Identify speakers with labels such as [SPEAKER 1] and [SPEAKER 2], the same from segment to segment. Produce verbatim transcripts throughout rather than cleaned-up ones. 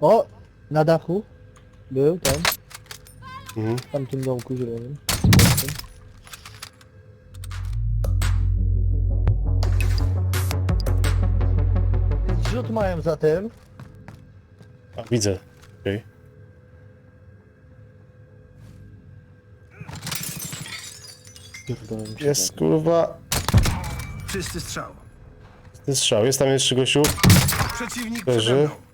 [SPEAKER 1] O! Na dachu. Był tam.
[SPEAKER 2] Mhm.
[SPEAKER 1] W tamtym domku zielonym. Zrzut mają za tym.
[SPEAKER 2] A, widzę. Okej.
[SPEAKER 1] Pierdolę mi się
[SPEAKER 2] Jest,
[SPEAKER 1] tak.
[SPEAKER 2] kurwa.
[SPEAKER 3] Czysty strzał.
[SPEAKER 2] Ten strzał. Jest tam jeszcze gościu.
[SPEAKER 3] Przeciwnik
[SPEAKER 2] Leży.
[SPEAKER 3] przede mną.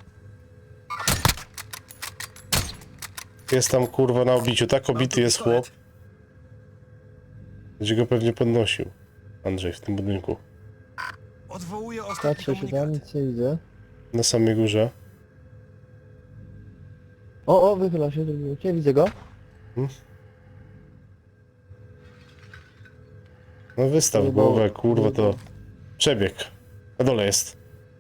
[SPEAKER 2] Jest tam, kurwa, na obiciu. Tak obity jest chłop. Będzie go pewnie podnosił. Andrzej, w tym budynku.
[SPEAKER 3] Odwołuję ostatni
[SPEAKER 1] Patrzę się tam,
[SPEAKER 3] komunikat.
[SPEAKER 1] nic nie widzę.
[SPEAKER 2] Na samej górze.
[SPEAKER 1] O, o, wychyla się, drugi. Nie widzę go.
[SPEAKER 2] No wystaw
[SPEAKER 1] Próbował.
[SPEAKER 2] głowę, kurwa, to... Przebieg. Na dole jest.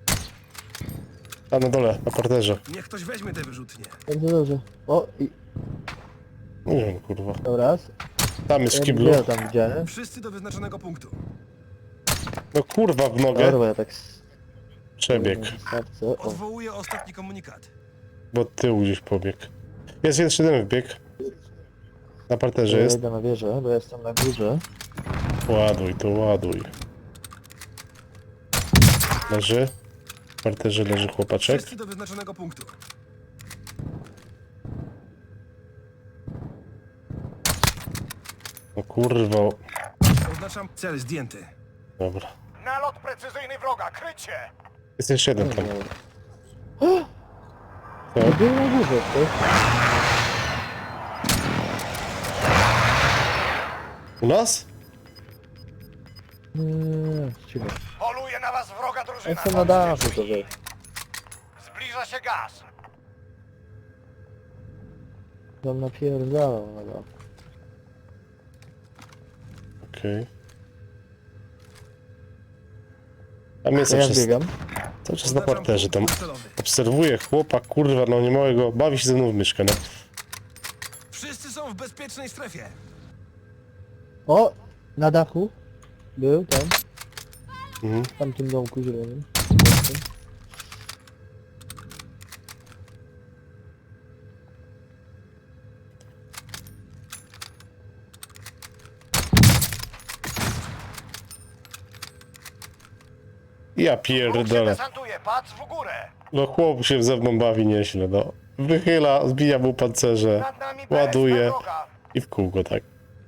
[SPEAKER 2] A, na dole, na parterze.
[SPEAKER 3] Niech ktoś weźmie te wyrzutnie.
[SPEAKER 1] Bardzo dobrze. O, i...
[SPEAKER 2] Nie wiem, kurwa.
[SPEAKER 1] Dobra.
[SPEAKER 2] Tam jest w
[SPEAKER 1] Ja
[SPEAKER 2] kiblu.
[SPEAKER 1] ja tam widziałem.
[SPEAKER 3] Wszyscy do wyznaczonego punktu.
[SPEAKER 2] No kurwa, w nogę.
[SPEAKER 1] Dobra, ja tak... s-
[SPEAKER 2] Przebieg.
[SPEAKER 1] na wystawce. O,
[SPEAKER 3] Odwołuję ostatni komunikat.
[SPEAKER 2] Bo od tyłu gdzieś pobieg. Jest jeszcze jeden wbieg. Na parterze
[SPEAKER 1] ja
[SPEAKER 2] jest.
[SPEAKER 1] idę na wieżę, bo jestem na górze.
[SPEAKER 2] Ładuj, to ładuj. Leży. W parterze leży chłopaczek.
[SPEAKER 3] Wszyscy do wyznaczonego punktu.
[SPEAKER 2] No kurwa.
[SPEAKER 3] Oznaczam cel zdjęty.
[SPEAKER 2] Dobra.
[SPEAKER 4] Nalot precyzyjny wroga, krycie!
[SPEAKER 2] Jest jeszcze jeden tam.
[SPEAKER 1] Ja
[SPEAKER 2] Co?
[SPEAKER 1] byłem na górze, ty.
[SPEAKER 2] U nas?
[SPEAKER 1] Nie, cicho.
[SPEAKER 4] Poluje na was wroga drużyna.
[SPEAKER 1] Jestem na dachu, to wiesz.
[SPEAKER 4] Zbliża się gaz.
[SPEAKER 1] Tam napierdalam na dachu.
[SPEAKER 2] Okej. Tam jest
[SPEAKER 1] To ja
[SPEAKER 2] przez...
[SPEAKER 1] biegam.
[SPEAKER 2] cały czas na
[SPEAKER 3] Oznaczam
[SPEAKER 2] parterze. Tam
[SPEAKER 3] punkt docelowy.
[SPEAKER 2] obserwuję chłopa, kurwa, no nie małego. Bawi się ze mną w myszkę, no.
[SPEAKER 3] Wszyscy są w bezpiecznej strefie.
[SPEAKER 1] O! Na dachu. Był tam.
[SPEAKER 2] Mhm.
[SPEAKER 1] W tamtym domku zielonym.
[SPEAKER 2] Ja
[SPEAKER 4] Wróg się
[SPEAKER 2] pierdolę.
[SPEAKER 4] desantuje, patrz w górę.
[SPEAKER 2] No chłop się ze mną bawi nieźle, no. Wychyla, zbija mu pancerze,
[SPEAKER 4] Nad nami B S P
[SPEAKER 2] ładuje
[SPEAKER 4] wroga.
[SPEAKER 2] i w kółko, tak.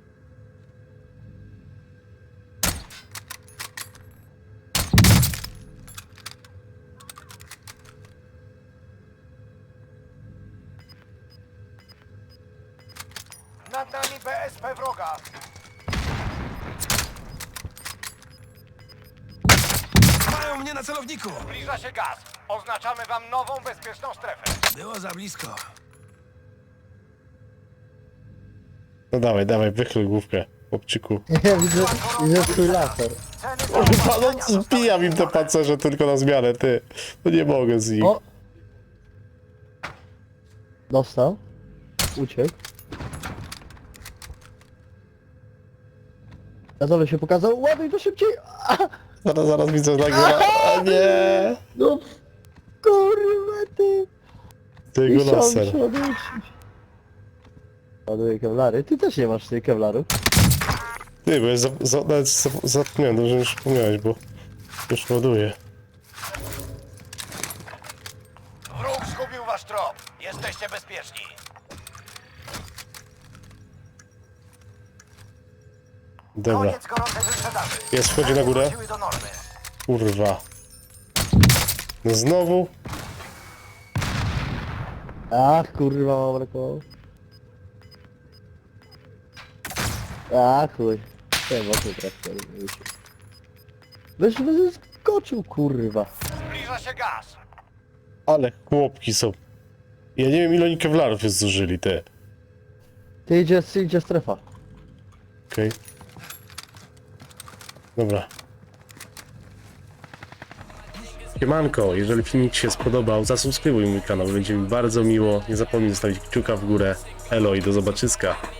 [SPEAKER 4] Nad nami B S P wroga.
[SPEAKER 3] Mają mnie na celowniku.
[SPEAKER 4] Zbliża się gaz. Oznaczamy wam nową bezpieczną strefę.
[SPEAKER 3] Było za blisko.
[SPEAKER 2] No dawaj, dawaj, wychyl główkę, chłopczyku.
[SPEAKER 1] Ja widzę, widzę twój laser.
[SPEAKER 4] Ceny
[SPEAKER 2] Kurwa,
[SPEAKER 4] zaopatrzenia
[SPEAKER 2] no zbijam im te
[SPEAKER 4] zostały
[SPEAKER 2] pancerze tylko na zmianę, ty. No nie mogę z nich.
[SPEAKER 1] O! Dostał. Uciekł. Na dole się pokazał. Ładuj to szybciej! A,
[SPEAKER 2] Zaraz, zaraz widzę nagle. A nie!
[SPEAKER 1] no kurwa ty!
[SPEAKER 2] Tego
[SPEAKER 1] Chciałem
[SPEAKER 2] laser.
[SPEAKER 1] się odwrócić. Ładuję kewlary. Ty też nie masz tych kewlarów.
[SPEAKER 2] Ty, bo ja za, za, nawet za, zapomniałem, dobrze mi przypomniałeś, bo już ładuję.
[SPEAKER 4] Wróg zgubił wasz trop. Jesteście bezpieczni.
[SPEAKER 2] Dobra,
[SPEAKER 4] Koniec gorącej wyprzedaży.
[SPEAKER 2] jest, wchodzi na górę.
[SPEAKER 4] Wróciły do normy.
[SPEAKER 2] Kurwa. No znowu?
[SPEAKER 1] Ach kurwa mam brakowało. Ach chuj. Nie mocno trafił. Weź wyskoczył kurwa.
[SPEAKER 4] Zbliża się gaz.
[SPEAKER 2] Ale chłopki są. Ja nie wiem, ile oni kewlarów już zużyli, te.
[SPEAKER 1] Ty idzie, idzie strefa.
[SPEAKER 2] Okej. Dobra. Siemanko, jeżeli filmik Ci się spodobał, zasubskrybuj mój kanał, będzie mi bardzo miło. Nie zapomnij zostawić kciuka w górę. Elo i do zobaczyska.